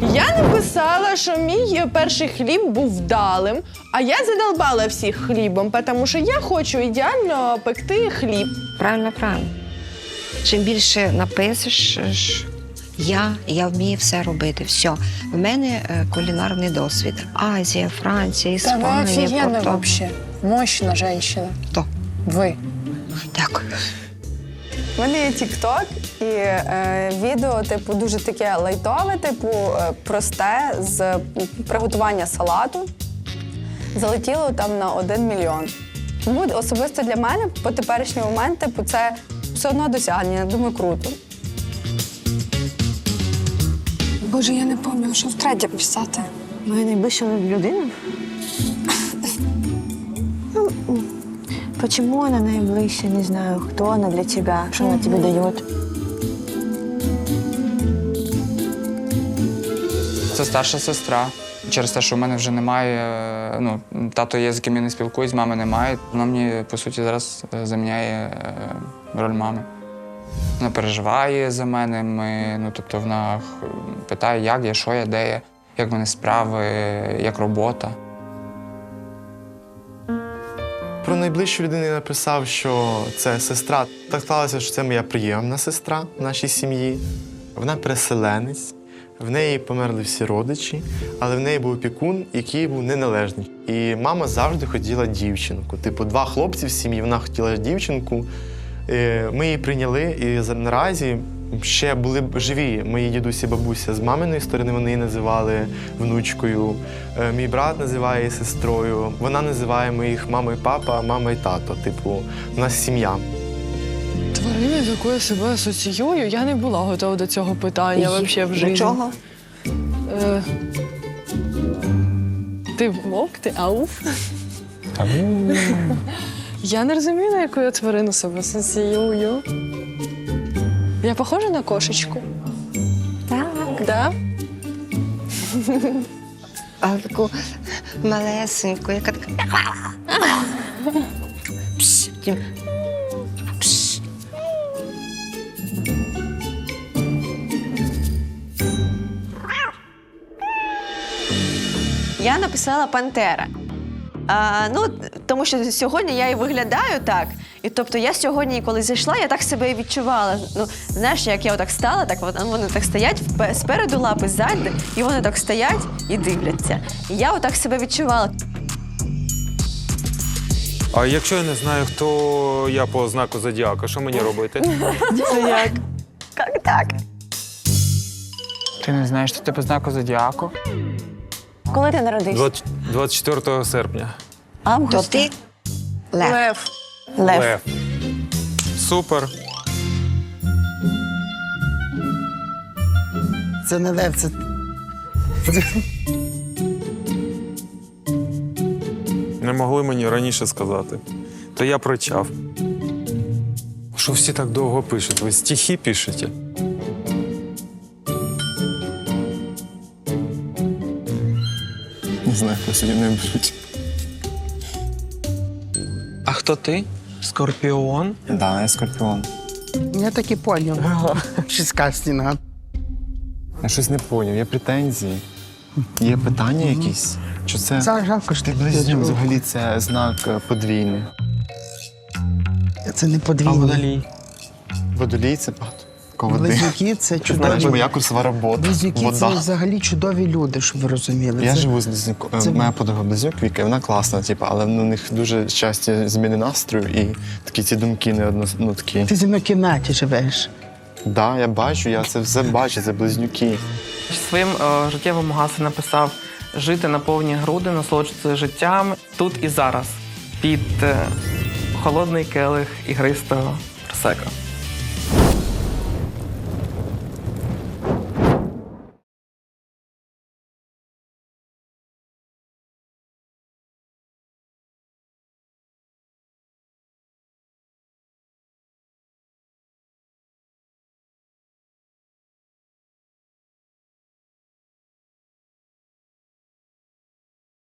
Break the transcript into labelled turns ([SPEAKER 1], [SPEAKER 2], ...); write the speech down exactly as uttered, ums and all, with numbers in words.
[SPEAKER 1] Я написала, що мій перший хліб був вдалим, а я задолбала всіх хлібом, тому що я хочу ідеально пекти хліб.
[SPEAKER 2] Правильно, правильно. Чим більше напишеш, я, я вмію все робити. Все. В мене е, кулінарний досвід. Азія, Франція,
[SPEAKER 3] Та ви
[SPEAKER 2] Іспанія,
[SPEAKER 3] офігенна
[SPEAKER 2] Португалія.
[SPEAKER 3] вообще. Мощна жінка.
[SPEAKER 2] Хто?
[SPEAKER 3] Ви.
[SPEAKER 2] Дякую.
[SPEAKER 3] У мене є тік-ток, і е, відео, типу, дуже таке лайтове, типу, е, просте, з приготування салату. Залетіло там на один мільйон. Тому особисто для мене по теперішній момент, типу, це все одно досягнення. Думаю, круто.
[SPEAKER 4] Боже, я не пам'ятаю, що втретє писати.
[SPEAKER 5] Моя найближча людина? Почему она наиближча? Не знаю, кто она для тебя, что она тебе дает.
[SPEAKER 6] Це старша сестра. Через те, що в мене вже немає, ну, тато є, з ким я не спілкуюсь, мами немає. Вона мені, по суті, зараз заміняє роль мами. Вона переживає за мене, ми, ну, тобто вона питає, як я, що я, де я, як в мене справи, як робота.
[SPEAKER 7] Про найближчу людину я написав, що це сестра. Так сталося, що це моя прийомна сестра в нашій сім'ї. Вона переселенець, в неї померли всі родичі, але в неї був опікун, який був неналежний. І мама завжди хотіла дівчинку. Типу, два хлопці в сім'ї, вона хотіла дівчинку. Ми її прийняли, і наразі ще були б живі мої дідусі і бабуся з маминої сторони, вони її називали внучкою. Мій брат називає її сестрою. Вона називає моїх мама і папа, мама і тато. Типу, у нас сім'я.
[SPEAKER 1] Тварина, з якою я себе асоціюю, я не була готова до цього питання взагалі в житті.
[SPEAKER 5] До чого?
[SPEAKER 1] Е, Ти вовк, ти ауф. Я не розумію, на яку я тварину себе асоціюю. Я похожа на кошечку?
[SPEAKER 5] Так.
[SPEAKER 1] Да?
[SPEAKER 2] А таку малесеньку, яка така. Пш, потім пш.
[SPEAKER 8] Я написала «Пантера». А, ну, тому що сьогодні я і виглядаю так. І тобто я сьогодні, коли зайшла, я так себе і відчувала. Ну, знаєш, як я отак стала, так вони, вони так стоять, спереду лапи, ззаду, і вони так стоять і дивляться. І я отак себе відчувала.
[SPEAKER 9] А якщо я не знаю, хто я по знаку зодіака, що мені робити?
[SPEAKER 1] Це як?
[SPEAKER 8] Як так?
[SPEAKER 6] Ти не знаєш, що ти по знаку зодіаку?
[SPEAKER 5] Коли ти народився?
[SPEAKER 9] двадцять четвертого серпня.
[SPEAKER 2] То
[SPEAKER 5] Август.
[SPEAKER 2] ти лев.
[SPEAKER 1] Лев.
[SPEAKER 5] Лев.
[SPEAKER 9] Лев. Супер.
[SPEAKER 10] Це не лев, це...
[SPEAKER 9] Не могли мені раніше сказати. То я прочав. Що всі так довго пишуть? Ви стихи пишете?
[SPEAKER 7] Не знаю, хто сьогодні не беруть.
[SPEAKER 6] А хто ти? Скорпіон?
[SPEAKER 7] Так, да, я скорпіон.
[SPEAKER 10] Я так і поняв. Шістка стіна.
[SPEAKER 7] Я щось не зрозумів, є претензії, є питання якісь? Чи це...
[SPEAKER 10] Це жалко, що
[SPEAKER 7] Ти
[SPEAKER 10] ти
[SPEAKER 7] близнюк,
[SPEAKER 10] близнюк.
[SPEAKER 7] взагалі, це знак е, подвійний.
[SPEAKER 10] Це не подвійний.
[SPEAKER 7] Водолій – це багато води.
[SPEAKER 10] Близнюки – це
[SPEAKER 7] Ти знаєш,
[SPEAKER 10] чудові.
[SPEAKER 7] моя курсова робота.
[SPEAKER 10] Близнюки – це
[SPEAKER 7] Вода.
[SPEAKER 10] взагалі чудові люди, щоб ви розуміли.
[SPEAKER 7] Я
[SPEAKER 10] Це-
[SPEAKER 7] живу з близнюком.
[SPEAKER 10] це-
[SPEAKER 7] Моя подруга близнюк Віка, і вона класна, типу, але у них дуже часті зміни настрою і такі ці думки не одно, ну, такі.
[SPEAKER 10] Ти зі мною в кімнаті живеш.
[SPEAKER 7] Так, да, я бачу, я це все бачу, це близнюки.
[SPEAKER 11] Своїм е, життєвому гаслі написав «Жити на повні груди, насолоджуватися життям тут і зараз» під е, холодний келих ігристого просека.